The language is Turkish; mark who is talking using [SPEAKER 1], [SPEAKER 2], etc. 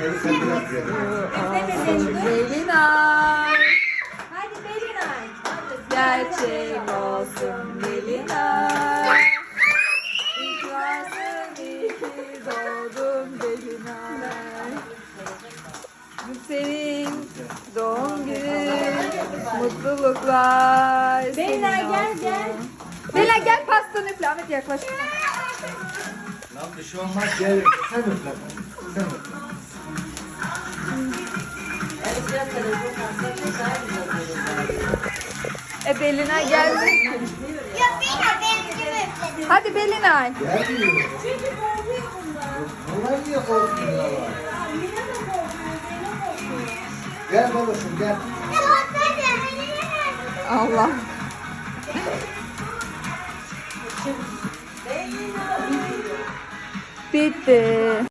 [SPEAKER 1] Belinay.
[SPEAKER 2] Hadi Belinay.
[SPEAKER 1] Gerçek olsun Belinay. İlk varsın iyi ki doğdun Belinay. Bu senin doğum günün. Mutluluklar.
[SPEAKER 2] Belinay
[SPEAKER 1] senin
[SPEAKER 2] gel
[SPEAKER 1] olsun.
[SPEAKER 2] gel.
[SPEAKER 1] Belinay gel pastanı üfle. Ahmet yaklaş.
[SPEAKER 3] Lan bir şey olmaz gel. Sen üfle. Sen üfle.
[SPEAKER 1] Belinay geldi. Hadi Belinay.
[SPEAKER 3] Gel diyor. Bunlar niye korkuyorlar? Gel babacığım gel.
[SPEAKER 1] Allah. Bitti.